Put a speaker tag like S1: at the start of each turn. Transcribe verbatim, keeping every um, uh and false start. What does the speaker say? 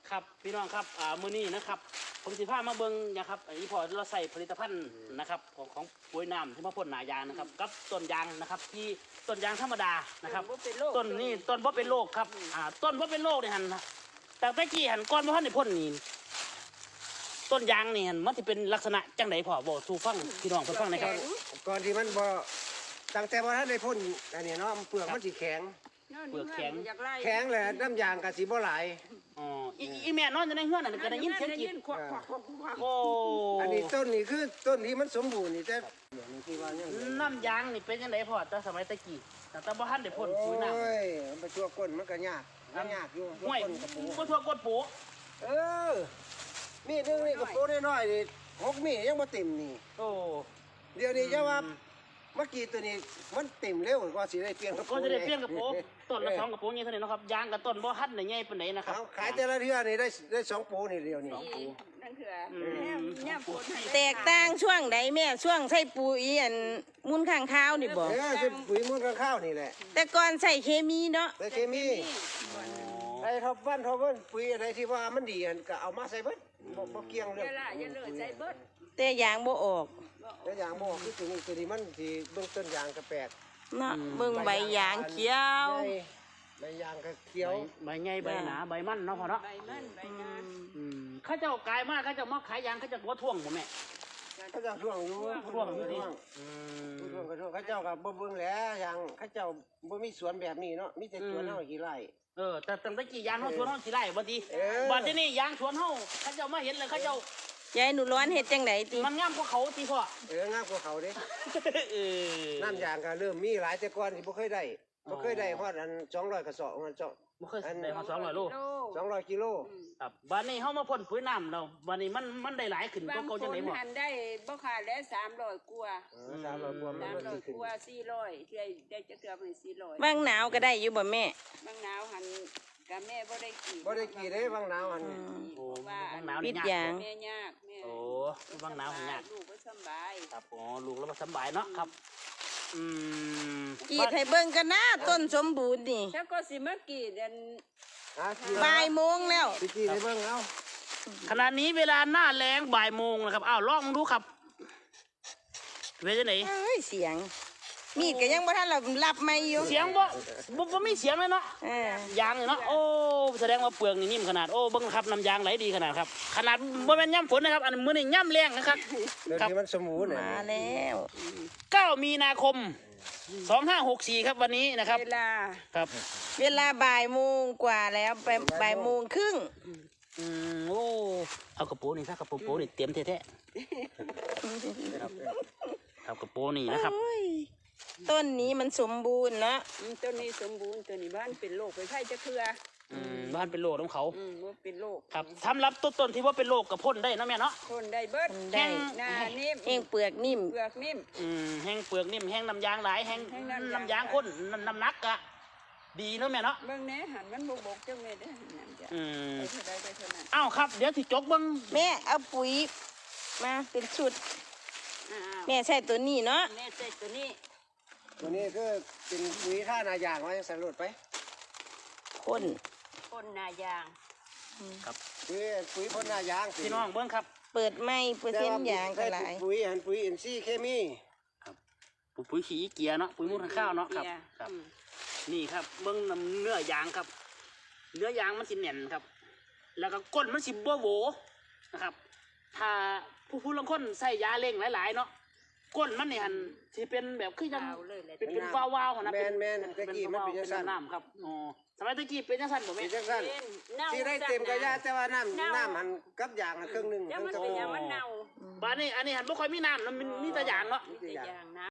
S1: ครับพี่น้องครับอ่ามื้อนี้นะครับผมสิพามาเบิ่งนะครับอันนี้พอเราใส่ผลิตภัณฑ์นะครับของของปุ๋ยน้ำที่มาพ่นหนายางนะครับกับต้นยางนะครับที่ต้นยางธรรมดานะครับต้นนี้ต้นบ่เป็นโรคครับอ่าต้นบ่เป็นโรคนี่หันแต่ตะกี้หันก้อนบ่ทันได้พ่นนี่ต้นยางนี่หันมันสิเป็นลักษณะจังได๋พ่อบอกสู่ฟังพี่น้องเพิ่นฟังหน่อยครับ
S2: ก่อนที่มันบ่ตั้งแต่บ่ทันได้พ่นอันนี้เนาะเปลือกมันสิแข็ง
S1: เปลือกแข็ง
S2: แข็งแหละน้ำยางก็สิบ่หลาย
S1: อ๋ออีอีแม่นอนอยู่ในเฮือนน่ะก็ได้ยินเสียงกรีดโอ้
S2: อันนี้ต้นนี่คือต้นที่มันสมบูรณ์นี่แต่เดี๋ยวนี้ที่ว่ายัง
S1: น้ำยางนี่เป็นจังไดพ่อแต่สมัยตะกี้แต่บ่ทันได้พ่นปุ๋ยน้ำ
S2: โอ้ยมันไปทั่วก้นมันก็ยากมันยากอยู่ทั่ว
S1: ห้วย
S2: ก้นกระปู
S1: ก็ทั่วกดปู
S2: เออมีดนึงนี่กระปูน้อยๆนี่หกมีดยังบ่เต็มนี่
S1: โอ้
S2: เดี๋ยวนี้จะว่าเมื่อกี้ตัวนี้มันเต็มเร็วกว่าสิได้เปลี่ยนกระปู
S1: ก็จะได้เปลี่ยนกระปูต้นละสองกระปูนี่เท่านี้เนาะครับยางกับต้นบ่ทันได้ใหญ่ปานใดนะครับ
S2: เอาขายแต่ละเทื่อนี่ได้ได้สองปูนี่เดียวนี่
S3: นั่นคือเนี่ยปวด
S4: แตกต่างช่วงใดแม่ช่วงใส่ปุ๋ยอันมูลข้างข้าวนี่บอก
S2: เออเป็นปุ๋ยมูลข้าวนี่แหละ
S4: แต่ก่อนใส่เคมีเนาะ
S2: แต่เคมีไอ้ทบวันทบวันปุ๋ยอะไรที่ว่ามันดีอันก็เอามาใส่เบิดบ่บ่เกี่ยงเรื่
S3: เว
S2: อง
S3: ลาอย่าเลิกใจเบิด
S4: แต่ยางบ่ออก
S2: แต่อย่างบ่คือตัวนี้ตัวนี้มันสิเบื้องต้นยางก็แปลก
S4: เนาะเบิ่งใบยางเขียว
S2: ใหญ่ใบยางก็เขียว
S1: ใบใหญ่ใบหนาใบมันเนาะพ่อเนาะ
S3: ใบมันใบงาน
S1: อืมเข้าเจ้ากายมากเข้าเจ้ามาขายยางเข้าเจ้าบ่ท่วงบ่แม่
S2: เขาเจ้าช่วงอยู่
S1: ท่วงอยู่ดิ
S2: ช่วง
S1: อืม
S2: ช่วงก็ช่วงเขาเจ้าก็บ่เบิ่งแหล้วอย่างเขาเจ้าบ่มีสวนแบบนี้เนาะมีแต่สวนเฮากี่ไร่
S1: เออแต่ตั้งแต่กี้ยางเฮาสวนเฮาสิไล่บ่ติ
S2: เออ
S1: บัดนี้ยางสวนเฮาเขาเจ้ามาเห็นเลยเขาเจ้าย
S4: ายหนูร้อนเฮ็ดจังไดติ
S1: มันงามกว่าเขาติพ่อ
S2: เอองามกว่าเขาเด้
S1: เออ
S2: น้ำยางก็เริ่มมีหลายแต่ก่อนที่บ่เคยได้บ่เคยได้ฮอดอันสองร้อยกระสอบมันเจ้า
S1: บ่เคยได้มาสองร้อยโล
S2: สองร้อยกิโล
S1: ครับบัดนี้เฮามาพ่นปุ๋ยน้ำแล้วบัดนี้มันมันได้หลายขึ้นก
S3: บา
S1: ว่าง เก่า
S3: ค
S1: จัง
S3: น
S1: ได๋บ่
S3: หันได้บ่ขาดแล้วสามร้อยกว่า
S2: เออสามร้อยกว่ามัน
S3: สาม
S2: มัน
S3: ร้อ
S2: สิ
S3: ย
S2: ขึ้น
S3: กว่าสี่ร้อยเทื่อได้จะเกือบเป็นสี่ร้อย
S4: บางหนาวก็ได้อยู่บ่แม่
S3: บางหนาวหันกับแม่บ่ได้กี่
S2: บ่ได้กี่เด้บางหนาวอัน
S1: โอ้
S3: ว่า
S1: บางหนาว
S4: ปิ
S1: นี่
S4: ด
S1: ยาก
S4: ยาง
S3: แม่ยากแม่
S1: โอ้บางหนาวนี่ยาก
S3: ลูกก็สบาย
S1: ครับอ๋อลูกแล้วก็สำบายเนาะครับ อืม
S4: กรีดให้เบิ่งกันนะต้นสมบูรณ์นี่
S3: แล้วก็สิมากี่เดือน
S2: หากี่
S4: บ่ายโมงแล้ว
S2: สิกี่ได้เบิ่งเอา
S1: ขณะนี้เวลาหน้าแล้งบ่ายโมงนะครับ อ้าวลองดูครับเวลาไหน
S4: เอ้ยเสียง มีดก็ยังบ่ทันเรารับไม่อยู่
S1: เสียงบ่บ่บ่มีเสียงเลยเนาะ
S4: เออ
S1: ยางนี่เนาะ โอ้ แสดงว่าเปลือกนี่นิ่มขนาด โอ้เบิ่งครับน้ำยางไหลดีขนาดครับ ขนาดบ่แม่นย่ำฝนนะครับ อันมื้อนี้ย่ำแรงนะครับ
S2: เดี๋ยว
S1: ครับ
S2: นี้มันสมบูรณ์น่ะ
S4: มาแล้ว
S1: เก้ามีนาคมสองห้าหกสี่ครับวันนี้นะครับ
S3: เวลา
S1: ครับ
S4: เวลาบ่ายโมงกว่าแล้วไปบ่ายโมงครึ่ง
S1: อืมโอ้ เอากระโปรงนี่ซะกระโปรงโปรงนี่เตรียมแท้ๆครับครับกระโปรงนี่นะครับ
S4: โอ้ยต้นนี้มันสมบูรณ์เนาะ
S3: อืมต้นนี้สมบูรณ์ต้นนี้บ้านเป็นโรคไปไข้จะเครือ
S1: อืมบ้านเป็นโรคของเขา
S3: อืมว่าเป็นโรค
S1: ครับสำหรับต้นต้นที่ว่าเป็นโรคกับพ่นได้เนาะแม่เนาะ
S3: ทนได้เบิด
S4: ได้
S3: หน้านิ่ม
S4: เองเปลือกนิ่ม
S3: เปลือกนิ่ม
S1: อืมแห้งเปลือกนิ่มแห้งน้ำยางหลายแห้ง
S3: แห้งน้ำยาง
S1: น้ำยางข้นน้ำน้ำหนักอะดีเนาะแม่เนาะ
S3: เบิ่งแหน่หันมันบกบกจังเลยเด้อนั่นจ้ะ
S1: อืม
S3: ไปเท่าใดไปเท่านั้น
S1: อ้าวครับ เดี๋ยวที่จกเบิ้ง
S4: แม่เอาปุ๋ยมาเป็นชุด
S3: อ่า
S4: แม่ใส่ตัวนี้เนาะ
S3: แม่ใส่ตัวนี้
S2: ตัวนี้คือเป็นปุ๋ยท่านายางไว้ใส่รถไป
S4: พ่น
S3: คนนายาง
S2: ปุ๋ยปุ๋ยพ่นหน้ายางสิ
S1: พี่น้องเบิ้งครับ
S4: เปิดไม่เปอร์เซ็นต์ยางก็หลาย
S2: ปุ๋ยอันปุ๋ยอินทรีย์เคมี
S1: ปุ๋ยปุ๋ยขี้เกียร์เนาะปุ๋ยมูลข้าวเนาะครับ
S3: เกีย
S1: ครับ
S3: อืม
S1: นี่ครับเบิ้งน้ำเนื้อยางครับ เนื้อยางมันสิแน่นครับ แล้วก็ก้นมันสิบ่โหวนะครับ ถ้าผู้ผู้ลางคนใส่ยาเร่งหลายๆเนาะก้นมันนี่หันสิเป็นแบบคือจัง
S3: เอาเลยแหละ
S1: เป็นเป็นวาวๆหั่นนะ
S2: แม
S1: เป็น
S2: นแมนตะกี้มันเป็นจังซั่น
S1: น้ำครับอ๋อสมัยตะกี้เป็นจังซั่นบ่
S2: เป็
S1: แม่
S2: นจังซั่น
S3: เป็นเน่า
S2: ที่ได้เต็มกระยาแต่ว่าน้ำน้ำมันกับยางน่ะครึ่งหนึง
S3: แล้ว
S2: ครึ่
S3: มัน
S2: งกระ
S3: เป็น
S2: บอก
S3: อย่างมันเน่า
S1: บ้านนี้อันนี้หันบ่ค่อยมีน้ำแล้วมันมีแต่ยางเนาะ
S3: มีแต่อย่างนะ